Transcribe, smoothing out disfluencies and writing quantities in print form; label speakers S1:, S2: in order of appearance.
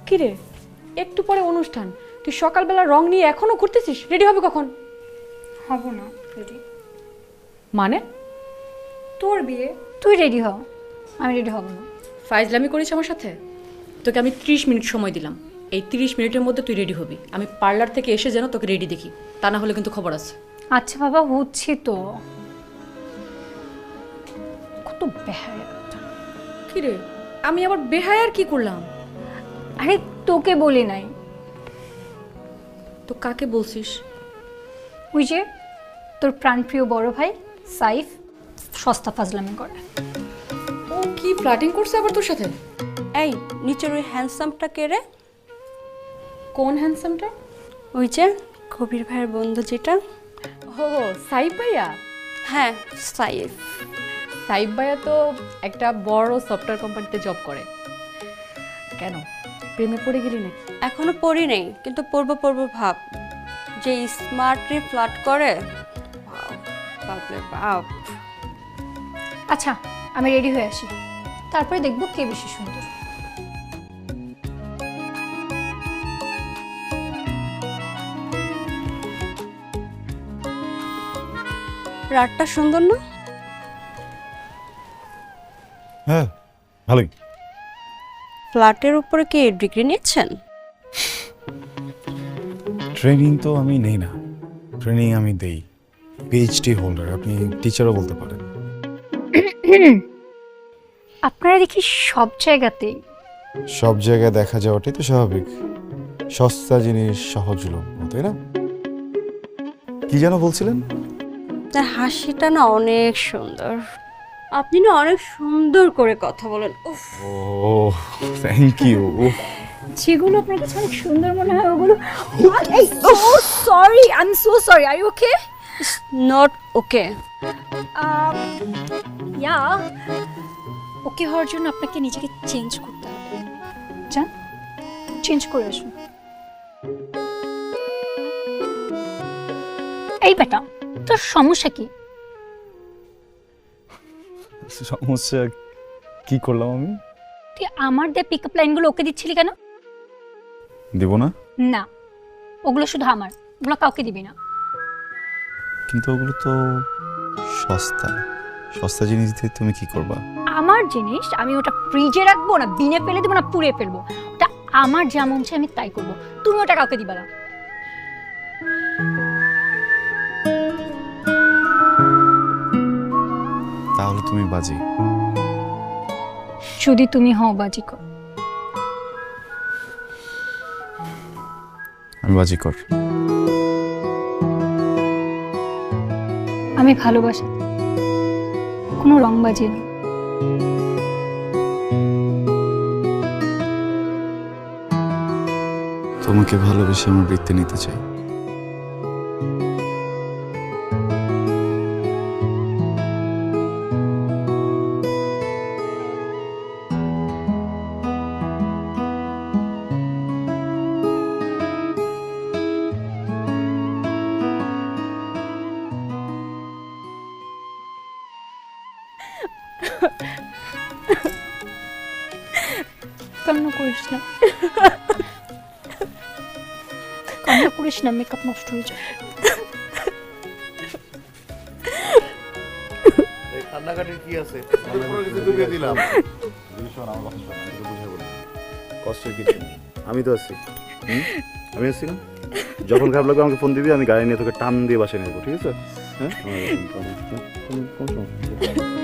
S1: কিরে, একটু পরে অনুষ্ঠান, তুই সকালবেলা রং নিয়ে এখনো ঘুরতেছিস? রেডি হবে কখন?
S2: হব না রেডি।
S1: মানে?
S2: তোর বিয়ে, তুই রেডি হ, আমি রেডি হব না।
S1: ফাইজলামি করিস আমার সাথে? তোকে আমি 30 মিনিট সময় দিলাম, এই 30 মিনিটের মধ্যে তুই রেডি হবি। আমি পার্লার থেকে এসে যেন তোকে রেডি দেখি, তা না হলে কিন্তু খবর আছে।
S2: আচ্ছা বাবা, হচ্ছি তো। কত বেহায়া।
S1: কিরে, আমি আবার বেহায়ার কি করলাম?
S2: আরে তোকে বলি নাই,
S1: তো কাকে বলছিস?
S2: ওই যে তোর প্রাণপ্রিয় বড় ভাই সাইফ, সস্তা ফাজলামি করে।
S1: ও কি ফ্লার্টিং করছে আবার তোর সাথে?
S3: এই নিচের ওই হ্যান্ডসামটা কে রে?
S1: কোন হ্যান্ডসামটা?
S3: ওই যে কবির ভাইয়ের বন্ধু যেটা।
S1: ও সাইফ ভাইয়া?
S3: হ্যাঁ সাইফ।
S1: সাইফ ভাইয়া তো একটা বড় সফটওয়্যার কোম্পানিতে জব করে। কেন, প্রেমে পড়ে গেলি নাকি?
S3: এখনো পড়ি নেই, কিন্তু পড়বো ভাব। যে স্মার্টলি ফ্লার্ট করে, বাপরে বাপ।
S2: আচ্ছা আমি রেডি হয়ে আসি, তারপরে দেখবো কে বেশি সুন্দর।
S3: রাতটা সুন্দর না?
S4: হ্যাঁ ভালোই।
S3: ফ্ল্যাটের উপরে কি ডিগ্রি নিচ্ছেন?
S4: ট্রেনিং তো আমি নেই না, ট্রেনিং আমি দেই। পিএইচডি হোল্ডার, আপনি টিচারও বলতে পারেন।
S2: আপনারা দেখি সব জায়গাতেই।
S4: সব জায়গায় দেখা যাওয়াটাই তো স্বাভাবিক। সস্তা জিনিস সহজলভ্য, তাই না? কি যেন বলছিলেন?
S3: তার হাসিটা না অনেক সুন্দর। আপনি না অনেক সুন্দর করে কথা বলেন। উফ,
S4: ও থ্যাংক ইউ।
S2: যেগুলো আপনার কাছে অনেক সুন্দর মনে হয় ওগুলো। Sorry, I am so sorry. Are you okay?
S3: Not okay.
S2: Yeah, okay হওয়ার জন্য আপনাকে নিজেকে চেঞ্জ করতে হবে। যান চেঞ্জ করে আসুন। এই বেটা, তোর সমস্যা কি?
S4: সমস্যা কি করলাম আমি?
S2: তুই আমার দিয়ে পিক আপ লাইনগুলো ওকে দিচ্ছিলি কেন?
S4: দেব না?
S2: না, ওগুলো শুধু আমার, ওগুলো কাউকে দিবি না।
S4: কিন্তু ওগুলো তো সস্তা, সস্তা জিনিস দিয়ে তুমি কি করবা?
S2: আমার জিনিস আমি ওটা ফ্রিজে রাখবো না বিনে ফেলে দেবো না পুড়ে ফেলবো, ওটা আমার যা মন চায় আমি তাই করবো। তুমি ওটা কাউকে দিবা না।
S4: তাহলে তুমি বাজি।
S2: যদি তুমি হও বাজিকর।
S4: আমি বাজিকর।
S2: আমি ভালোবাসি, কোনো রংবাজি না।
S4: তোমাকে ভালোবেসে আমার বৃত্তে নিতে চাই।
S2: কান্না করিস না, কান্না করিস না, মেকআপ নষ্ট হয়ে যায়।
S5: কান্নাকাটির কি আছে? ডুবিয়ে দিলাম। কষ্টের কিছু নেই, আমি তো আছি। আমি আছি না? যখন খারাপ লাগবে আমাকে ফোন দিবি, আমি গাড়ি নিয়ে তোকে টান দিয়ে বাসায় নেবো, ঠিক আছে? হ্যাঁ, কোন সমস্যা নেই।